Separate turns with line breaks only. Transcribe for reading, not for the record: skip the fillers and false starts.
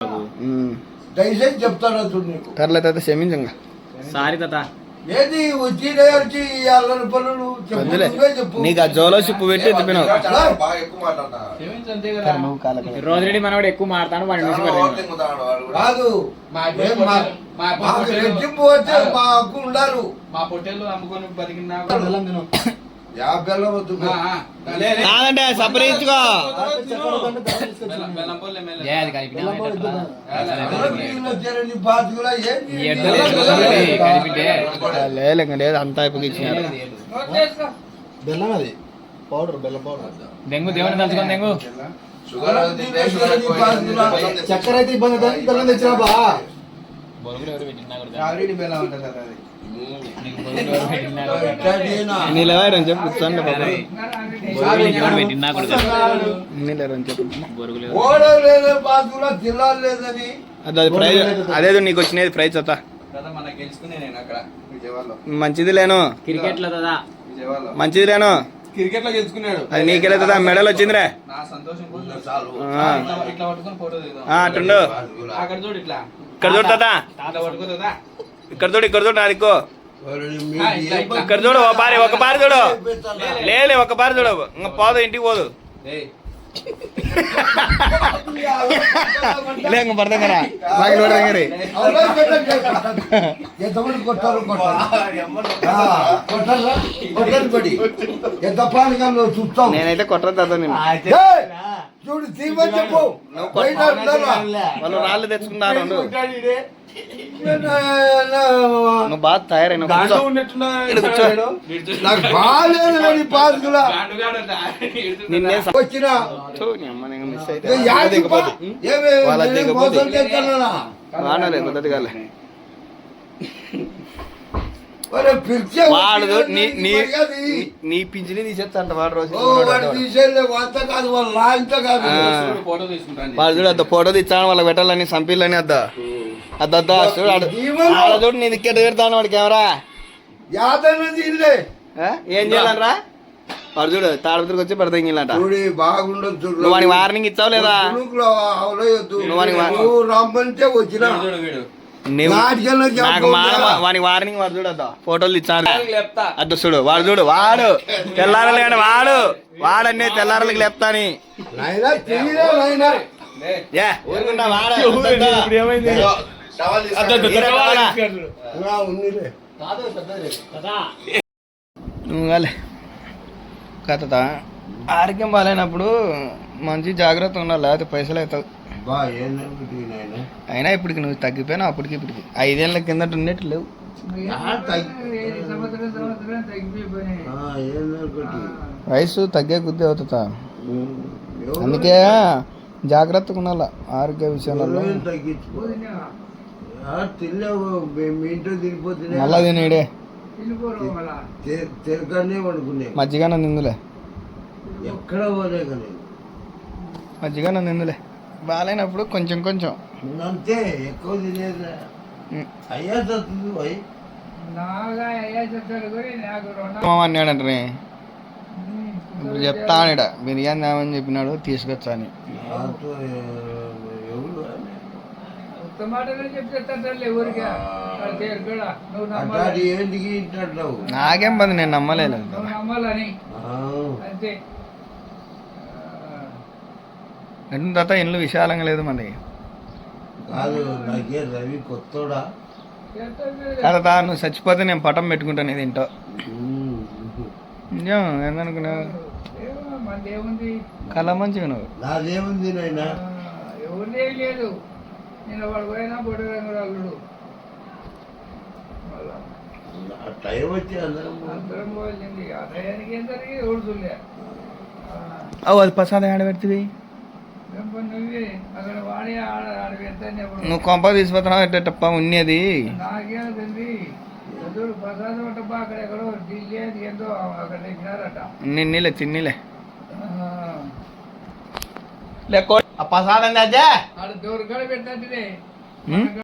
దయచేసి చెప్తాను నీకు
కర్ల తాత క్షమించంగా
సారీ తాత
ఏది వచ్చి అల్లరి పనులు చెప్పు
నీకు ఆ జోలో చిప్పు పెట్టి ఎత్తిపోయినావు
రోజురెడ్డి మనవాడు ఎక్కువ మారుతాను వాడిని
కాదు రెట్టింపు వచ్చే మా హక్కు ఉండాలి.
మా పొట్టేళ్ళు అమ్ముకొని బతికినా
కాదంటే సపరించుకో లేదు అంతా అయిపోయి ఇచ్చినారు.
బెల్లం అది పౌడర్ బెల్లం పౌడర్
దెంగు దేవుని తలుచుకోండి దెంగు
చక్కెర అయితే ఇబ్బంది బెల్లం తెచ్చినా బా
బొరుగులు ఎవరు పెట్టినా
ఆల్రెడీ బెల్లం ఉంటుంది అది
నీళ్ళని చెప్పు కూర్చోండి
పెట్టినా కూడా
నీళ్ళని చెప్పు
బొరుగులు
అది ప్రైజ్ అదేదో నీకు వచ్చినది ప్రైజ్ అవుతా
మనకి గెలుచుకునే నేను అక్కడ విజయవాడలో
మంచిది లేను
క్రికెట్ లో కదా
విజయవాడలో
మంచిది లేను
క్రికెట్ లో గెలుచుకున్నాడు.
అది నీకెళ్ళదా మెడల్ వచ్చిందిరే
నా సంతోషం ఇట్లా పట్టుకొని ఫోటో
అటుండు
అక్కడ చూడు ఇట్లా
ఇక్కడ చూడు తాత
ఇట్లా పట్టుకోదా
ఇక్కడ చూడు నాదికో ఇక్కడ చూడు ఒక పారి చూడు లేలే ఒక పారి చూడు ఇంకా పోదు ఇంటికి పోదు లేక పడతాం కదా బాగా చూడదంగరి నేనైతే కొట్టదు తాత నేను
చూడు తీమని చెప్పు
వాళ్ళు రాళ్ళు తెచ్చుకున్నారు నువ్వు బాగా తయారైన
నాకు బాగాలేదు పాసుకులా
నిన్నే
వచ్చిన
మిస్ అయితే వాడలే పద్ధతి కాలే వాడు నీ పింఛని తీసేస్తా వాడు రోజు వాడు చూడు అద్ద ఫోటో తీస్తాను వాళ్ళకి పెట్టాలని సంపిల్లని అద్దా అద్దా చూడు చూడు నీ దిక్కెట్ పెడతాను వాడు కెమెరా ఏం చేయాలరా వాడు చూడు తాడపత్రికి వచ్చి పెడతా ఇంగిలంట
బాగుండదు
నువ్వు వానికి వార్నింగ్ ఇచ్చావు లేదా
రమ్మంటే వచ్చిన
నాకు వానికి వార్నింగ్ వాడు చూడద్దా ఫోటోలు ఇచ్చాను అద్దు చూడు వాడు తెల్లారలు కానీ వాడన్నీ తెల్లారలకి లేపుతాని ఊరుకుంటా నువ్వు కాలే కథ ఆరోగ్యం బాగాలేనప్పుడు మంచి జాగ్రత్త ఉండాలి లేకపోతే పైసలు అవుతావు అయినా ఇప్పటికి నువ్వు తగ్గిపోయినా అప్పటికి ఇప్పటికి 5 ఏళ్ళ కిందట ఉండేట్టు లేవు వయసు తగ్గే కొద్దీ అవుతుందా అందుకే జాగ్రత్తగా ఉండాల ఆరోగ్య విషయాలలో మళ్ళా తినేడే మజ్జిగన నిందులే
ఎక్కడ
మజ్జిగన నిందులే బాగాలేనప్పుడు కొంచెం
అంతే ఎక్కువ తినేది అయ్యా చదువు
అన్నాడంటే ఇప్పుడు చెప్తానిడ బిర్యానీ తేమని చెప్పినాడు తీసుకొచ్చా అని నాకేం పని నేను నమ్మలేదు తర్వాత ఇల్లు విశాలంగా లేదు మనకి కదా నువ్వు చచ్చిపోతే నేను పటం పెట్టుకుంటాను ఇది ఇంటో నిజం ఏందనుకున్నావు కళ మంచిగా నువ్వు
నాదేముంది నాయనా
ఎవరిదే లేదు నేను వాడు పోయినా బొడ్డు రంగురాళ్ళు
టైం వచ్చి
అందరం పోయింది ఆ టయానికి ఏం జరిగి ఎవరు చూడలే
అది ప్రసాదం ఆడ పెడుతుంది
నువ్వే అక్కడ వాడే ఆడ పెడతాను
నువ్వు కొంప తీసుకుపోతున్నావు ఎట్టప్ప ఉన్నది
నాకేం తెలియదు ఎదురు ప్రసాదం అంటప్ప అక్కడ ఎక్కడో ఢిల్లీ అది ఏందో అక్కడ తెచ్చినారట
నిన్నీలే తిన్నీలే ప్రసాదం
ఆడ దూరం కూడా పెట్టినట్టునే